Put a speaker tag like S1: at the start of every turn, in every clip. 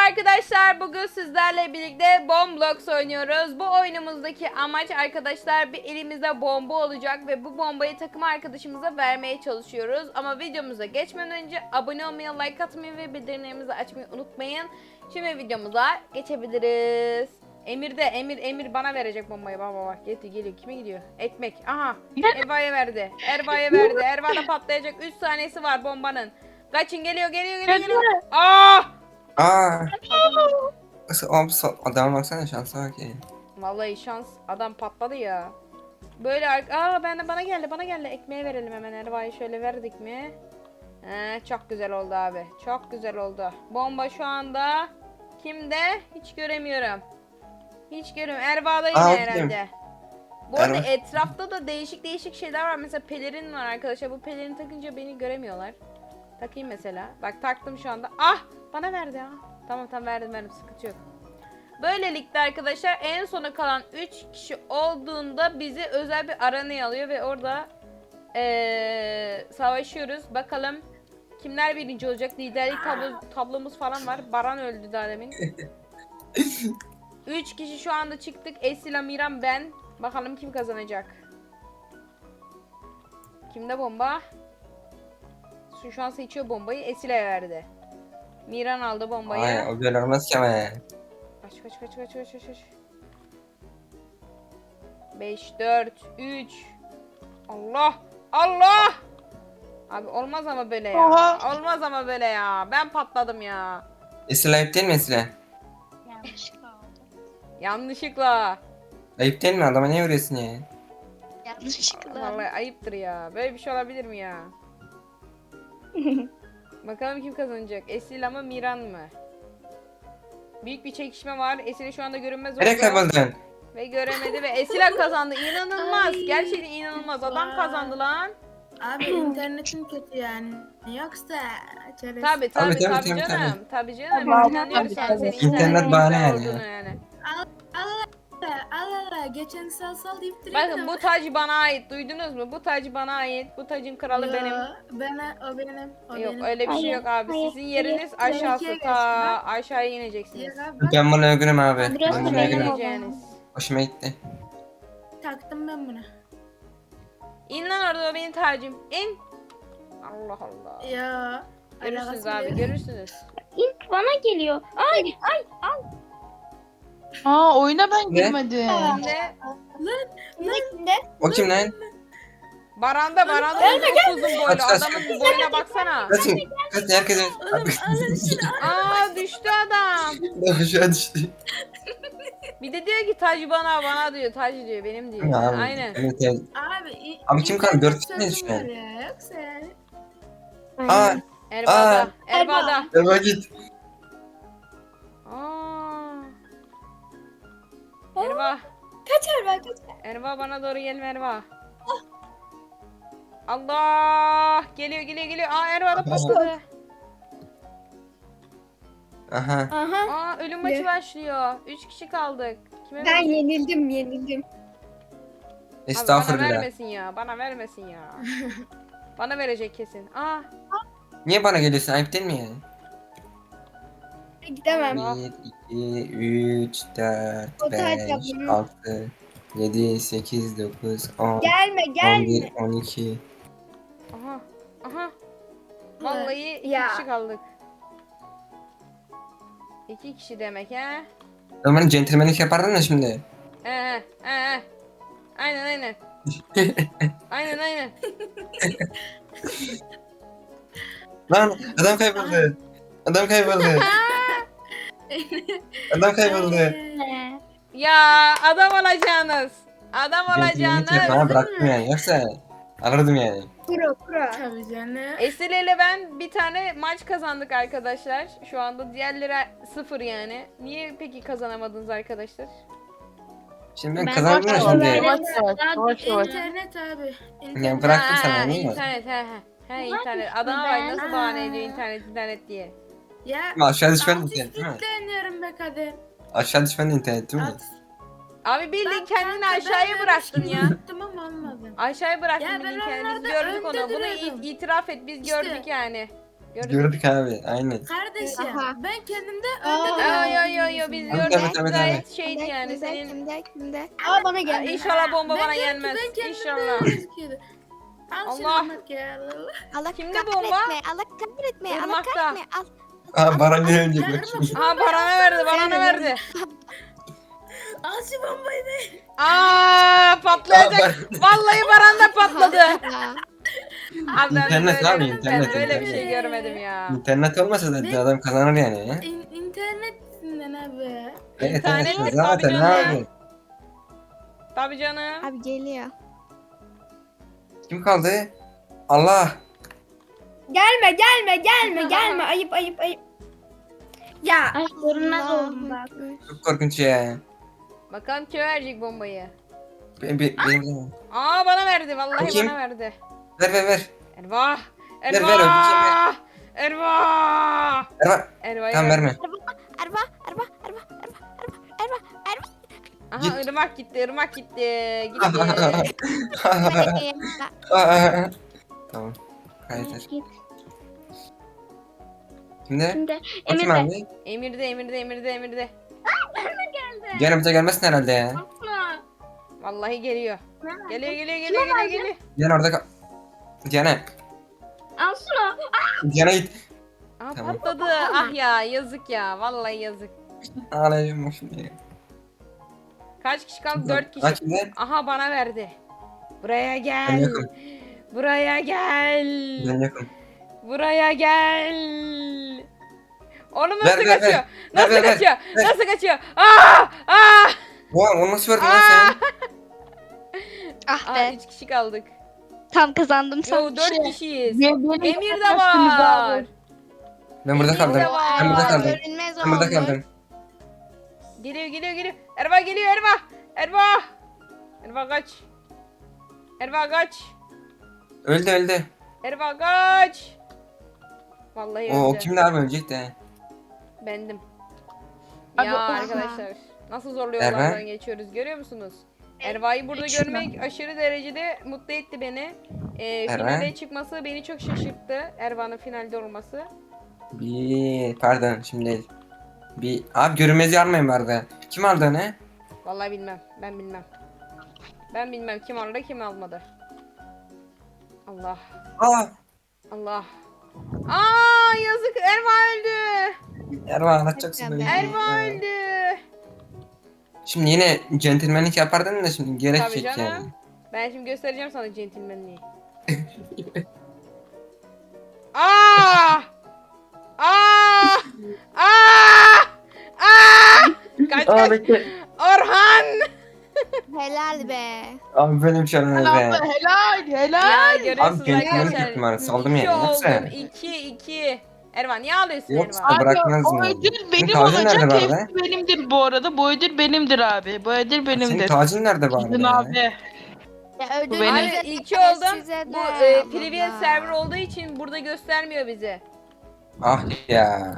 S1: arkadaşlar, bugün sizlerle birlikte Bomblocks oynuyoruz. Bu oyunumuzdaki amaç arkadaşlar, bir elimizde bomba olacak ve bu bombayı takım arkadaşımıza vermeye çalışıyoruz. Ama videomuza geçmeden önce abone olmayı, like atmayı ve bildirimlerimizi açmayı unutmayın. Şimdi videomuza geçebiliriz. Emir bana verecek bombayı. Bak geliyor. Kime gidiyor? Ekmek. Aha. Erva'ya verdi. Erva da patlayacak. 3 saniyesi var bombanın. Kaçın, geliyor. Aa!
S2: Aa. Adama baksana, şansa bak ya.
S1: Vallahi şans, adam patladı ya. Böyle bana geldi. Ekmeğe verelim hemen. Erva'yı şöyle verdik mi? Çok güzel oldu abi. Çok güzel oldu. Bomba şu anda kimde? Hiç göremiyorum. Erva'da yine herhalde. Bu arada etrafta da değişik şeyler var. Mesela pelerin var arkadaşlar. Bu pelerini takınca beni göremiyorlar. Takayım mesela. Bak taktım şu anda. Ah! Bana verdi ha. Tamam verdim. Sıkıntı yok. Böylelikle arkadaşlar en sona kalan 3 kişi olduğunda bizi özel bir arenaya alıyor ve orada savaşıyoruz. Bakalım kimler birinci olacak? Liderlik tablomuz falan var. Baran öldü daha demin. 3 kişi şu anda çıktık. Esila, Miran, ben. Bakalım kim kazanacak? Kimde bomba? Şu an seçiyor bombayı. Esile'ye verdi. Miran aldı bombayı.
S2: Ay, o böyle olmaz ki ama ya.
S1: Kaç. 5, 4, 3. Allah! Abi olmaz ama böyle ya. Ben patladım ya.
S2: Esra ayıp değil mi Esra?
S1: Yanlışlıkla.
S2: Ayıp değil mi? Adama niye vuruyorsun ya?
S1: Vallahi ayıptır ya. Böyle bir şey olabilir mi ya? Bakalım kim kazanacak? Esila mı, Miran mı? Büyük bir çekişme var. Esila şu anda görünmez oldu.
S2: Nereye kayboldun?
S1: Ve göremedi ve Esila kazandı. İnanılmaz. Gerçekten inanılmaz. Adam kazandı lan.
S3: Abi internetin kötü yani. Yoksa çerez.
S1: Tabii
S2: Tabii.
S1: canım. Tabii canım.
S4: Tabii,
S1: İnanıyoruz yani senin
S2: İnternet bahane yani.
S1: olduğunu yani.
S3: Allah geçen sal deyip duruyor.
S1: Bakın bu taç bana ait. Duydunuz mu? Bu taç bana ait. Bu tacın kralı benim.
S3: O benim.
S1: Yok öyle bir şey yok abi.
S4: Hayır,
S1: Sizin yeriniz
S3: hayır.
S1: aşağısı.
S3: Benimkiye
S1: Ta
S3: geçsin, bak.
S1: aşağıya ineceksiniz.
S2: Ben bunu övgünüm abi.
S4: Burası
S2: Ben bunu
S4: benim
S2: övgünüm.
S4: oldu.
S1: İneceğiniz.
S2: Hoşuma gitti.
S3: Taktım ben bunu.
S1: İn lan orada, o benim tacım. İn. Allah.
S3: Ya.
S1: Görürsünüz
S3: alakası
S1: abi,
S3: yok.
S1: görürsünüz.
S4: İlk bana geliyor. Ay.
S5: Aa, oyuna ben
S2: Ne?
S5: girmedim.
S1: Şimdi
S2: O kim lan?
S1: Baranda çok uzun boylu.
S2: Kaç.
S1: Adamın boyuna baksana.
S2: Kaçın. Herkes.
S1: Aa, düştü adam.
S2: Aşağı düştü.
S1: Bir de diyor ki tacı bana diyor. Tacı diyor, benim diyor.
S2: Abi,
S1: Aynen.
S2: Evet.
S3: Abi.
S2: Abi kim kaldı?
S3: internet
S2: 4 kişi miyiz şu an?
S3: sorunu var ya, Yoksa yani.
S2: Aa.
S1: Erbada.
S2: Eva git.
S1: Aa. Erva.
S3: Kaçar.
S1: Erva bana doğru gelme Erva. Allah! Geliyor. Aa, Erva da patladı.
S2: Aha.
S4: Aha.
S1: Aa, ölüm maçı başlıyor. 3 kişi kaldık. Kime
S4: Ben
S1: verecek?
S4: yenildim.
S1: Abi
S2: Estağfurullah.
S1: bana vermesin ya. Bana verecek kesin. Aa,
S2: Niye bana geliyorsun? Ayıp değil mi yani?
S4: Gidemem.
S2: 1, 2, 3, 4,
S4: O taç
S2: 5,
S4: yapmanın-
S2: 6, 7, 8, 9, 10,
S4: Gelme
S2: 11, 12.
S1: aha. Vallahi 2
S4: Ya.
S1: kişi kaldık. 2 kişi demek he.
S2: Normalde centilmenlik yapardın da şimdi.
S1: Aynen. Aynen.
S2: Lan adam kayboldu. Adam kayboldu. Adam kayboldu.
S1: Ya adam olacaksınız.
S2: Centilmenlik yapma, bıraktım yani. Yoksa alırdım yani.
S4: Pro.
S3: Tabii canım.
S1: Esile ile ben bir tane maç kazandık arkadaşlar. Şu anda diğerleri 0 yani. Niye peki kazanamadınız arkadaşlar?
S2: Şimdi ben
S4: Ben
S2: kazandım ya
S4: başka
S2: şimdi.
S4: oyunlara-
S5: Yavaş.
S3: İnternet abi.
S2: Ya bıraktım sana değil mi?
S1: İnternet he internet. Adama bak nasıl bahane ediyor internet diye.
S3: Ya.
S2: Ama aşağı düşmen de
S3: Artist
S2: internet değil mi?
S3: yükleniyorum be kadın.
S2: Aşağı düşmen de internet değil mi?
S1: Abi bildiğin
S3: Ben
S1: kendini
S3: kanka,
S1: aşağıya
S3: ben
S1: bıraktın
S3: öyle
S1: ya.
S3: yaptım ama olmadı.
S1: Aşağıya bıraktın
S3: Ya ben
S1: bildiğin kendini. Biz
S3: onlarda
S1: gördük
S3: önde
S1: onu. Bunu
S3: duruyordum.
S1: itiraf et. Biz
S3: İşte.
S1: gördük yani. Gördük.
S2: Gördük abi. Aynen.
S3: Kardeşim
S4: Aha.
S3: ben kendimde
S4: Aa.
S3: önde
S1: Yo biz
S2: Tabii,
S1: gördük.
S2: tabii, tabii,
S1: Gayet şeydi yani senin.
S6: Kimde?
S4: Aa bana
S1: Aa,
S4: geldi.
S1: İnşallah bomba bana
S3: Ben
S1: gelmez.
S3: kendimde
S1: İnşallah.
S3: gözüküyordu. Al şunu
S1: Allah.
S3: Irmak ya.
S6: Allah
S1: Kimde
S6: kahretme,
S1: bomba?
S6: Allah kahretme, Allah
S1: Irmak'ta.
S6: kahretme. Al.
S2: Aa Baran ne
S3: Ya
S2: ölecek bak
S3: Irmak
S2: şimdi.
S3: şu
S1: Aha
S3: bombayı
S1: Baran'a verdi, Baran'a verdi.
S3: al şu bombayı be.
S1: Aa patlayacak. Vallahi Baran da patladı.
S6: Aa,
S1: Abi ben
S2: İnternet
S1: böyle,
S2: abi,
S1: ben
S2: internet,
S1: böyle bir
S2: internet.
S1: şey görmedim ya.
S2: İnternet olmasa da adam kazanır yani.
S3: İnternetinden abi.
S2: Evet
S1: İnternet
S2: evet
S1: tabii
S2: zaten
S1: canım.
S2: abi.
S1: Tabii canım.
S6: abi geliyor.
S2: Kim kaldı? Allah.
S4: Gelme. Ayıp. Ya. Ay görünmez oldum bak.
S2: Çok korkunç ya.
S1: Bakalım kim verecek bombayı.
S2: Benim.
S1: Aa bana verdi, vallahi
S2: Bakayım.
S1: bana verdi.
S2: Ver.
S1: Ervah.
S2: ver,
S1: Ervah.
S2: öpeceğim
S1: Ervah.
S2: Ver.
S1: Ervah.
S2: Tamam verme.
S6: Arba.
S1: Aha
S2: Git.
S1: ırmak gitti, ırmak gitti. Gitti.
S2: Tamam. Kaydır.
S4: Git.
S2: Şimdi
S4: Şimdi
S2: o kim
S4: Emir
S2: abi?
S1: Emirde.
S2: Gene bize gelmesin herhalde ya.
S4: Asla.
S1: Vallahi geliyor. Geliyor.
S2: Gene orada kal. Gene.
S4: Asla.
S2: Gene git.
S1: Aa
S2: Tamam.
S1: patladı. Ah ya yazık ya. Vallahi yazık.
S2: Ağlayacağım bak şimdi.
S1: Kaç kişi kaldı? 4 kişi.
S2: Kaç şimdi?
S1: Aha bana verdi. Buraya
S2: Ben
S1: gel.
S2: yokum.
S1: Buraya gel.
S2: Ben yokum.
S1: Buraya gel. Onu
S2: Ver,
S1: nasıl
S2: ver,
S1: kaçıyor?
S2: ver.
S1: Nasıl
S2: Ver, ver,
S1: kaçıyor?
S2: ver.
S1: Nasıl kaçıyor? Aa!
S2: Oha onu nasıl verdin lan sen?
S6: Ah
S1: Aa,
S6: be.
S1: 3 kişi kaldık.
S6: Tam kazandım
S1: Yo
S6: sanki.
S1: 4 kişiyiz.
S5: Benim
S1: Emir de
S5: yapamazsınız
S1: var.
S5: abi.
S2: Ben burada
S1: Emir
S2: kaldım.
S1: de var.
S2: Ben burada kaldım.
S6: Görünmez
S2: Ben burada
S6: olmuş.
S2: kaldım.
S1: Geliyor. Erva geliyor Erva. Erva kaç.
S2: Öldü.
S1: Erva kaç. Vallahi
S2: O
S1: öldü.
S2: kimdi abi ölecek de.
S1: Bendim.
S5: Abi,
S1: Ya
S5: oha.
S1: arkadaşlar nasıl zorlu
S2: Erva?
S1: yollardan geçiyoruz görüyor musunuz? Erva'yı burada görmek aşırı derecede mutlu etti beni.
S2: Erva?
S1: Finale çıkması beni çok şaşırttı. Erva'nın finalde olması.
S2: Pardon şimdi değil. Abi görünmez yarmayın vardı. Kim aldı onu?
S1: Vallahi bilmem. Ben bilmem kim aldı kim almadı. Allah.
S2: Aa!
S1: Aa yazık Erva öldü.
S2: Erva anlatacaksın
S6: Tabii.
S2: böyle.
S1: Erva öldü.
S2: Şimdi yine centilmenlik yapardın da şimdi gerek
S1: Tabii
S2: yok
S1: canım.
S2: yani.
S1: Ben şimdi göstereceğim sana centilmenliği. Aa! Aa! Aa! Aa! Kaç.
S2: bekle.
S1: Orhan!
S6: Helal be.
S2: Abi böyle bir şey olmaz be.
S5: Helal.
S1: Ya görüyorsunuz
S2: Abi centilmenlik
S1: arkadaşlar.
S2: yaptım abi, saldım yani.
S1: 2
S2: Yoksa-
S1: oldum. 2. Ervan niye ağlıyorsun
S2: Yoksa
S1: Ervan?
S2: bırakmaz
S5: O
S2: mı?
S5: ödül
S2: Senin
S5: benim
S2: tacın nerede
S5: olacak.
S2: bu arada?
S5: Hepsi benimdir bu arada. Bu ödül benimdir abi. Bu ödül
S2: Senin
S5: benimdir.
S2: tacın nerede bu
S5: Gidin
S2: arada?
S5: abi.
S6: Ya ödül
S5: benim.
S1: Abi
S6: bize de,
S1: 2 oldum.
S6: size
S1: Bu
S6: de.
S1: private
S6: Allah.
S1: server olduğu için burada göstermiyor bize.
S2: Ah ya.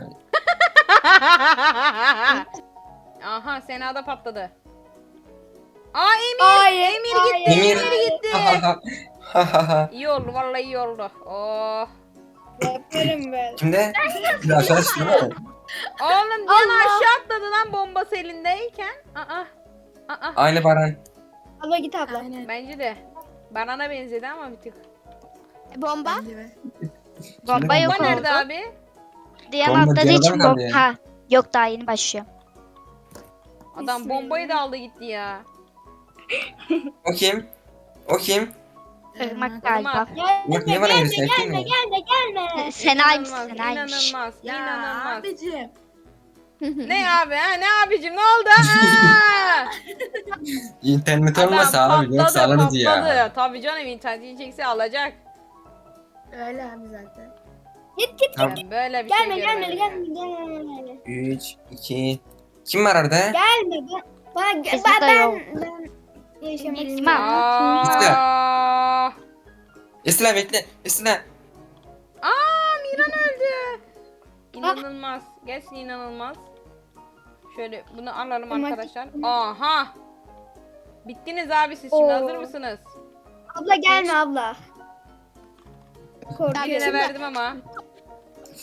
S1: Aha Sena'da patladı. Aa Emir gitti.
S2: Emir.
S1: Emir gitti.
S2: Ha.
S1: İyi oldu vallahi iyi oldu. Oh.
S3: Yaparım ben.
S2: Kimde? Bir aşağı düştü değil mi?
S1: Oğlum Diana aşağı atladı lan bombası elindeyken. Aa.
S2: Aynı Baran.
S4: Abla git abla.
S3: Aynen.
S1: Bence de. Banana benzedi ama bir tık.
S6: Bomba.
S3: Bence de.
S6: Bomba yok
S1: Bomba
S6: oldu.
S1: nerede abi?
S6: Diğer
S2: Bomba
S6: atladığı
S2: Diyana'da
S6: için
S2: mı kaldı
S6: bomba.
S2: yani?
S6: Ha. Yok daha yeni başlıyor.
S1: Adam bombayı da aldı gitti ya.
S2: O kim? O kim?
S6: Irmak galiba.
S2: Bak niye bana gelirsin? Kim mi?
S6: Senaymış
S1: İnanılmaz,
S6: Senaymış.
S1: İnanılmaz.
S3: Ya
S1: İnanılmaz.
S3: abicim.
S1: Ne abi ha? Ne abicim? Ne oldu? Aa!
S2: İnternet olmasa abi yoksa alırız ya.
S1: Tabii canım interneti çekse alacak.
S3: Öyle abi zaten.
S2: Tamam.
S1: Ben böyle bir şey görmedim.
S4: Gelme.
S2: 3, 2. Kim var orada?
S6: Bizde de yok.
S4: Yaşamak
S6: Bilmem.
S4: istiyorum.
S1: Aa!
S2: Esra bekle. Esra.
S1: Aa Miran öldü. İnanılmaz. Gerçekten inanılmaz. Şöyle bunu alalım arkadaşlar. Aha. Bittiniz abi siz şimdi
S4: Oo.
S1: hazır mısınız?
S4: Abla gelme abla.
S1: Birine verdim ama.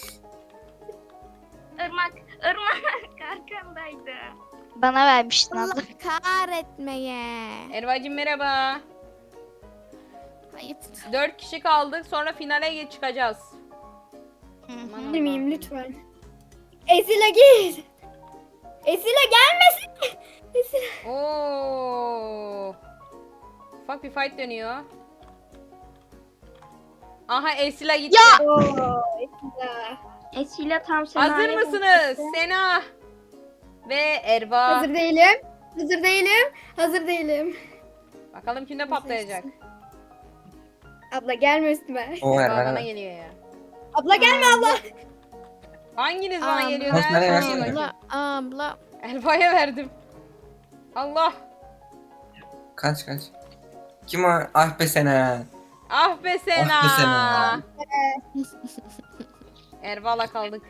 S4: Irmak. Irmak arkandaydı.
S6: Bana vermiştin
S7: Allah
S6: abla.
S7: kahretmeye.
S1: Erva'cığım merhaba.
S7: Ayıp.
S1: 4 kişi kaldık sonra finale çıkacağız. Aman
S4: Girmeyeyim
S1: Allah'ım.
S4: lütfen. Esile git. Esile gelmesin. Esile.
S1: Oo. Ufak bir fight dönüyor. Aha Esila gitti.
S4: Oo, Esile.
S6: Esile tam
S1: Hazır mısınız? Sena ve Erva.
S4: Hazır değilim. Hazır değilim. Hazır değilim.
S1: Bakalım kimde patlayacak.
S4: Abla gelme üstüme.
S2: O ver
S1: Erva
S2: ver.
S1: bana
S2: ver.
S1: geliyor ya.
S4: Abla gelme abla.
S1: Hanginiz bana
S7: Abla.
S1: geliyor?
S2: Nasıl,
S1: Ben
S2: nereye
S1: sorayım
S2: versene?
S1: bakayım.
S7: Abla.
S1: Erva'ya verdim. Allah.
S2: Kaç. Kim o? Ah be Sena.
S1: Ah be Sena.
S2: Ah be Sena.
S1: Erva'la kaldık.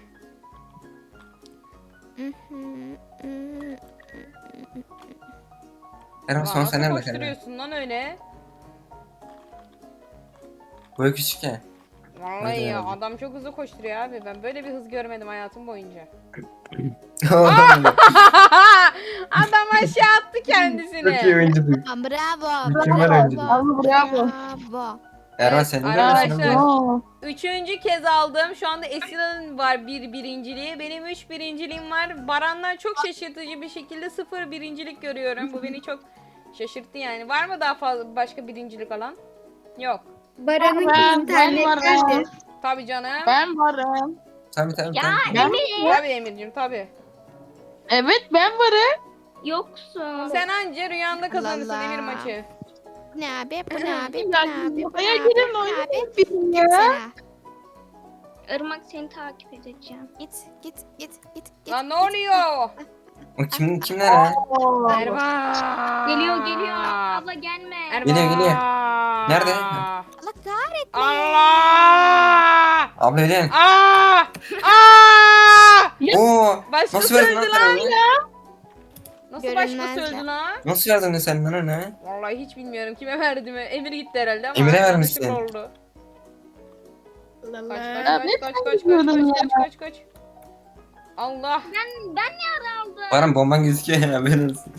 S2: Erva son
S1: Nasıl
S2: sen nerede Sena?
S1: koşturuyorsun lan öyle?
S2: Boyu küçük ya.
S1: Vallahi
S2: Hadi
S1: ya
S2: abi.
S1: adam çok hızlı koşturuyor abi. Ben böyle bir hız görmedim hayatım boyunca. Adam aşağı attı
S2: Çok iyi
S1: kendisini.
S2: oyunculuk.
S7: Bravo.
S2: Mükemmel oyunculuk.
S7: Bravo.
S2: Erva sen de
S1: Arkadaşlar
S5: Aa.
S1: 3. kez aldım. Şu anda Esila'nın var birinciliği. Benim 3 birinciliğim var. Baran'dan çok şaşırtıcı bir şekilde 0 birincilik görüyorum. Bu beni çok şaşırttı yani. Var mı daha fazla başka birincilik alan? Yok.
S4: Baran'ın
S5: Ben
S4: internet
S5: varım.
S4: geldi.
S1: Tabii canım.
S5: Ben varım.
S2: Tabii.
S5: Ben,
S1: Tabii Emir'cim tabii.
S5: evet ben varım.
S6: Yoksun.
S1: Sen anca rüyanda kazanırsın
S7: Allah.
S1: Emir maçı.
S7: Bu ne abi? Bu ne abi? Bu
S5: Ya,
S7: ne abi? Bu ne
S5: Aya
S7: abi?
S5: girin
S7: Bu ne
S5: oyunu
S7: abi?
S5: bilin ya.
S7: Gitsene.
S6: Irmak seni takip edeceğim.
S7: Git.
S1: Lan ne oluyor?
S2: O kimler ha?
S1: Erva.
S6: Geliyor. Abla gelme.
S1: Erva.
S2: Geliyor. Nerede?
S7: Allah kahretme.
S1: Allah!
S2: Abla öyle.
S1: Aa! Aa!
S2: Oo.
S1: Başkası
S2: Nasıl verdin
S1: öldü
S2: lan
S1: lan.
S2: sen?
S1: Nasıl başkası
S7: Görünmezler.
S1: öldü lan?
S2: Nasıl verdin sen lan onu?
S1: Vallahi hiç bilmiyorum kime verdim. Emir gitti herhalde ama
S2: Emir'e
S1: yanlışlıkla
S2: vermişsin.
S1: oldu. Kaç
S3: Allah.
S5: Ya ne
S1: kaç kaç. Allah.
S6: Ben ne aldım?
S2: Baran bomban gözüküyor ya haberin olsun.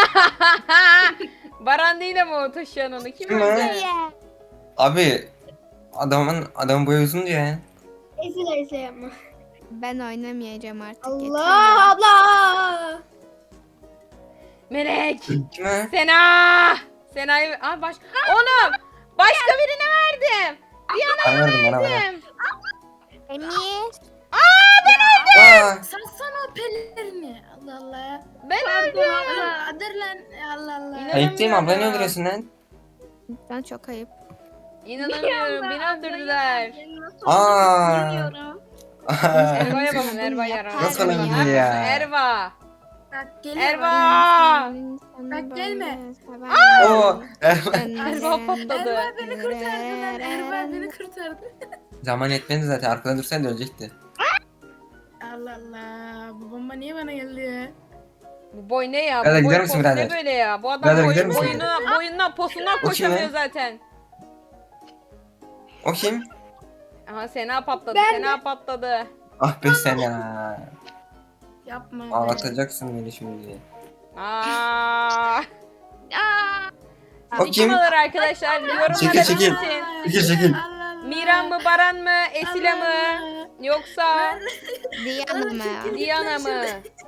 S1: Baran değil ama o taşıyan onu. Kim
S2: Kim o?
S1: öldü?
S2: Abi adamın boyu uzun diyor ya.
S4: Esile yapma.
S7: Ben oynamayacağım artık.
S4: Allah abla.
S1: Melek.
S2: Kim o?
S1: Sena. Sena'yı... Aa Oğlum. Başka birine verdim.
S2: Bana verdim bana.
S1: Verdim.
S7: Emir.
S2: Aa,
S3: Satsana pelerini. Allah Allah.
S1: Ben öldüm.
S3: Allah dur lan. Allah Allah.
S1: Yine-
S2: ayıp değil mi abla, ne öldürüyorsun lan?
S7: Ben çok ayıp.
S1: İnanamıyorum. Beni öldürdüler.
S2: Aa.
S6: Bilmiyorum.
S1: Erva'ya bakın Erva'ya.
S2: Nasıl olabilir ya?
S1: Erva.
S3: Bak geliyor.
S1: Erva.
S3: Bak gelme.
S2: Oo. Erva.
S1: Erva patladı.
S3: Erva beni kurtardı lan. Erva beni kurtardı.
S2: Zaman yetmedi zaten, arkada dursaydı ölecekti.
S3: Allah Allah. Bu bomba niye bana geldi ya?
S1: Bu boy ne ya?
S2: Birader,
S1: Bu boy
S2: gider misin
S1: postu ne
S2: birader?
S1: böyle ya? Bu adam
S2: Birader, gider misin?
S1: boyundan posundan
S2: O kim
S1: koşamıyor
S2: lan?
S1: zaten.
S2: O kim?
S1: Aha Sena patladı.
S4: Ben
S1: Sena patladı.
S2: Ah be Sena.
S3: Yapma. be.
S2: Ağlatacaksın beni şimdi.
S1: Aa.
S2: O
S1: Kim
S2: kim?
S1: alır arkadaşlar? Yorumlara
S2: Çekil, çekil.
S1: belirtin.
S2: Çekil.
S3: Allah Allah.
S1: Miran mı, Baran mı, Esile
S3: Allah
S1: mi?
S3: Allah.
S1: Yoksa
S7: Diana mı?
S1: Diana mı?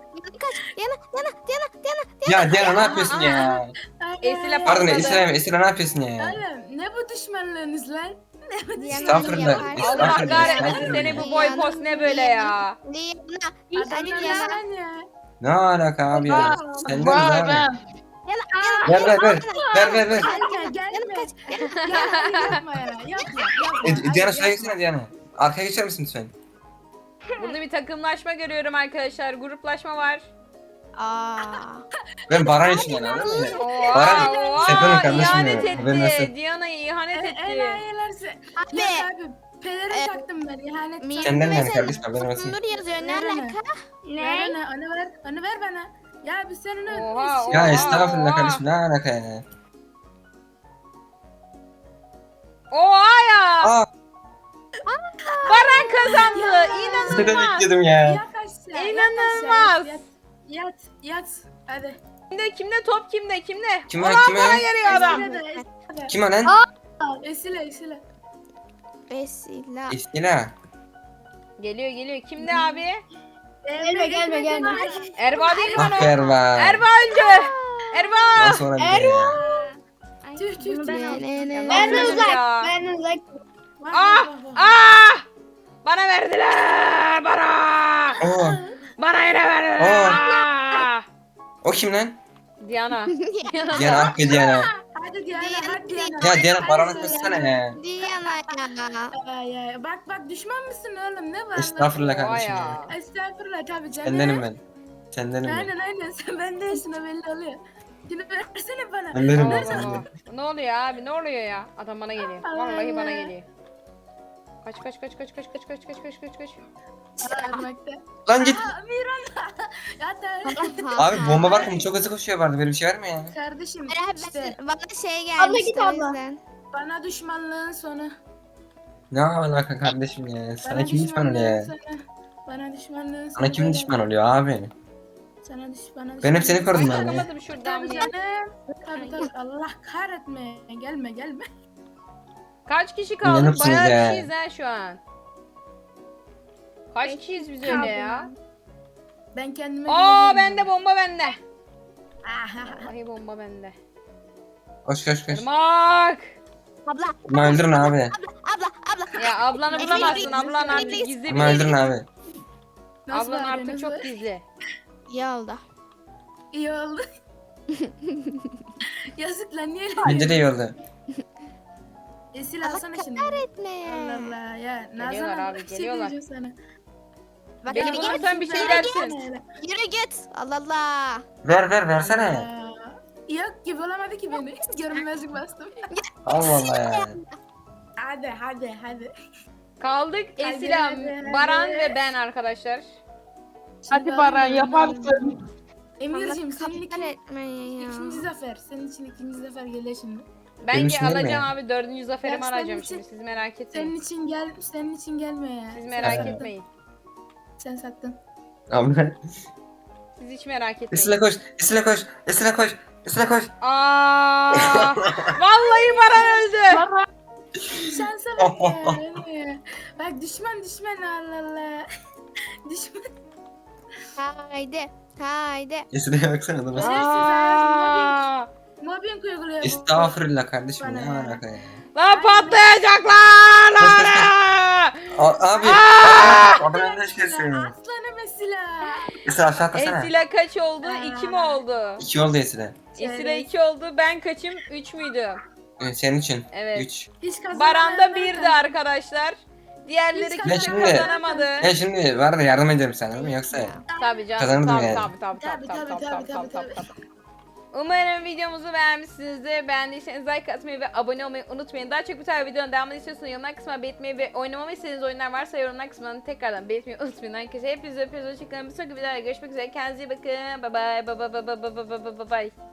S2: Ya Diana ne yapıyorsun ya?
S1: Esile
S2: Pardon
S1: patladı.
S2: Esra ne yapıyorsun ya?
S3: Oğlum ne bu düşmanlığınız lan?
S2: Estağfurullah.
S1: Allah
S2: Estağfurullah,
S1: kahretmesin
S2: estağfurullah.
S1: seni bu boy post ne böyle ya?
S7: Diana. Hadi
S3: Adamlar
S7: Diana.
S3: lan ya.
S2: Ne alaka abi ya? Senden
S5: Var
S2: abi.
S5: ben.
S2: Ver.
S3: Gelme gelme. Ya yapma ya. Yapma.
S2: Diana şuraya geçsene Diana. Arkaya geçer misin lütfen?
S1: Burada bir takımlaşma görüyorum arkadaşlar. Gruplaşma var.
S7: Aa.
S2: Ben Baran için yani, anladın mı?
S1: Oha,
S2: Baran,
S1: oha,
S2: Sefer'in kardeşim
S1: ihanet
S2: ya, haberin
S1: etti.
S2: olsun.
S1: Diana'ya ihanet etti.
S3: Enayilerse.
S7: Abi.
S3: Ya abi pelerin taktım ben ihanet.
S7: Mir-
S2: Senden yani
S7: Mesela
S2: kardeşim, haberin olsun.
S7: Nur yazıyor. Ne
S3: Ver onu.
S7: alaka?
S3: Ver onu ver bana. Ya biz seninle
S1: Oha,
S3: biz-
S2: Ya
S1: oha.
S2: estağfurullah kardeşim, ne alaka ya?
S1: Oha ya.
S2: Aa,
S1: Baran kazandı.
S3: Ya.
S2: seni
S1: İnanılmaz.
S2: bekledim ya.
S3: Ya kaçtı. yat aşağı,
S1: İnanılmaz.
S3: Yat. Hadi.
S1: Kimde top kimde?
S2: Kim
S1: Ulan
S2: o, kim o?
S1: bana geliyor adam.
S2: Kim o lan?
S3: Esile.
S7: Vesile.
S2: İstila.
S1: Geliyor. Kimde abi?
S4: Gelme.
S1: Erva değil mi lan
S2: Ah
S1: o?
S2: Erva.
S1: Erva öldü. Erva.
S2: Nasıl olabilir ya?
S3: Tüh.
S4: Ben de
S1: Nasıl
S4: uzak.
S1: ya?
S4: Ben de uzak.
S1: Ah! Bana verdiler.
S2: Oo.
S1: Bana yine verdiler.
S2: O kim lan?
S1: Diana.
S2: Diana Hakkı Diana.
S3: Hadi Diana.
S2: Ya Diana paranı kıssana ya.
S7: Diana ya.
S3: Ya, bak düşman mısın oğlum? Ne var lan?
S2: Estağfurullah
S1: Oha
S2: kardeşim ya.
S1: ya.
S3: Estağfurullah tabii canım.
S2: Sendenim ben. Sendenim ben.
S3: Aynen sen ben değilsin o belli oluyor. Şimdi versene bana.
S2: Sendenim ben.
S1: Allah Allah.
S2: sendenim.
S1: Ne oluyor abi? Ne oluyor ya? Adam bana geliyor. Vallahi bana geliyor. Kaç.
S3: Sarmakta.
S2: Lan git.
S3: Miran. Ya da
S2: Abi bomba var mı? Çok hızlı koşuyor vardı. Böyle bir şey var mı ya?
S3: kardeşim işte
S7: Bana şey
S4: Abla
S7: gelmişti
S4: git
S7: o
S4: abla.
S7: yüzden.
S3: bana düşmanlığın sonu.
S2: Ne alaka kardeşim ya? Sana kim düşman oluyor?
S3: Bana düşmanlığın sonu.
S2: Sana kim düşman oluyor abi?
S3: Sana düşman.
S2: Ben hep seni korudum
S1: Ay
S2: abi.
S1: takamadım şuradan
S3: Tabii
S1: ya.
S3: canım. Tabii. Allah kahretme. Gelme.
S1: Kaç kişi kaldık?
S2: İnanırsınız
S1: Bayağı
S2: ya.
S1: kişiyiz ha şu an. Kaç kişiyiz biz öyle ya?
S3: Ben kendime
S1: Aa
S3: güveniyorum.
S1: bende bomba bende.
S3: Ah,
S1: Vallahi bomba bende.
S2: Koş.
S1: Irmak.
S7: Abla.
S2: Ama öldürün abi.
S1: Ya ablanı bulamazsın. Ablan artık gizli
S2: Ama öldürün
S1: bir.
S2: abi.
S3: Nasıl
S1: Ablan
S3: var,
S1: artık
S3: nasıl
S1: çok
S3: var?
S1: gizli.
S7: İyi oldu.
S3: İyi oldu. Yazık lan niye öyle
S2: Bence de iyi oldu.
S3: Esil alsana şimdi.
S7: Kahretme ya.
S3: Allah Allah ya.
S1: Geliyorlar
S3: Nazan
S1: abi,
S3: bir şey
S1: geliyorlar.
S3: diyeceğim sana.
S7: Bak
S1: Beni
S7: yürü git.
S1: bulursan bir şey dersin.
S7: Yürü git. Allah Allah.
S2: Versene.
S3: Aa, yok gibi olamadı ki beni. Görünmezlik bastım.
S2: Allah Allah ya.
S3: Hadi.
S1: Kaldık Esila,
S3: hadi.
S1: Baran ve ben arkadaşlar.
S5: Hadi Baran yaparsın.
S3: Emirciğim senin
S7: Kahretme ya.
S3: ikinci zafer. Senin için ikinci zafer geliyor şimdi.
S1: Ben
S2: için değil mi?
S1: alacağım abi, 4. zaferimi
S3: Ya senin
S1: alacağım
S3: için-
S1: şimdi, siz merak
S3: Senin
S1: etmeyin.
S3: için gelmiyor ya.
S1: Siz
S3: Sen
S1: merak
S3: sattın.
S1: etmeyin.
S3: Sen sattın.
S2: Abi.
S1: Siz hiç merak etmeyin.
S2: Esile koş. Esile koş.
S1: Aa! Vallahi Baran öldü.
S3: Şansa bak ya. Bak düşman Allah Allah. Düşman.
S7: Haydi.
S2: Esile'ye baksana da bak.
S1: Aa!
S3: Mobbing uyguluyor bu.
S2: Estağfurullah kardeşim ne
S3: Bana.
S2: alaka ya.
S1: Lan patlayacaklar!
S2: Koş, koş, koş. Abi. Adam önüne kesin.
S3: Aslanım Esila.
S2: Esile aşağı atlasana.
S1: Esila kaç oldu? 2 mi oldu?
S2: 2 oldu Esile.
S1: Esila 2 oldu. Ben kaçım? 3 müydü?
S2: Senin için.
S1: Evet.
S2: 3.
S3: Hiç
S1: Baran da
S3: kazanamayanlar
S1: 1'di
S3: kaldı.
S1: arkadaşlar. Diğerleri
S3: Hiç
S1: kimse
S2: kazanamayanlar
S1: kazanamadı.
S2: Ya şimdi var da yardım ederim sana değil mi? Yoksa
S1: Tabii canım.
S2: Kazanırdım
S1: Tabii,
S2: yani.
S1: tabii. Umarım videomuzu beğenmişsinizdir. Beğendiyseniz like atmayı ve abone olmayı unutmayın. Daha çok bu tarz videonun devamını istiyorsanız yorumlar kısmına belirtmeyi ve oynamamı istediğiniz oyunlar varsa yorumlar kısmına tekrardan belirtmeyi unutmayın arkadaşlar. Hepinizi öpüyoruz. Hoşçakalın. Bir sonraki videoda görüşmek üzere. Kendinize iyi bakın. Bye bye. Bye bye.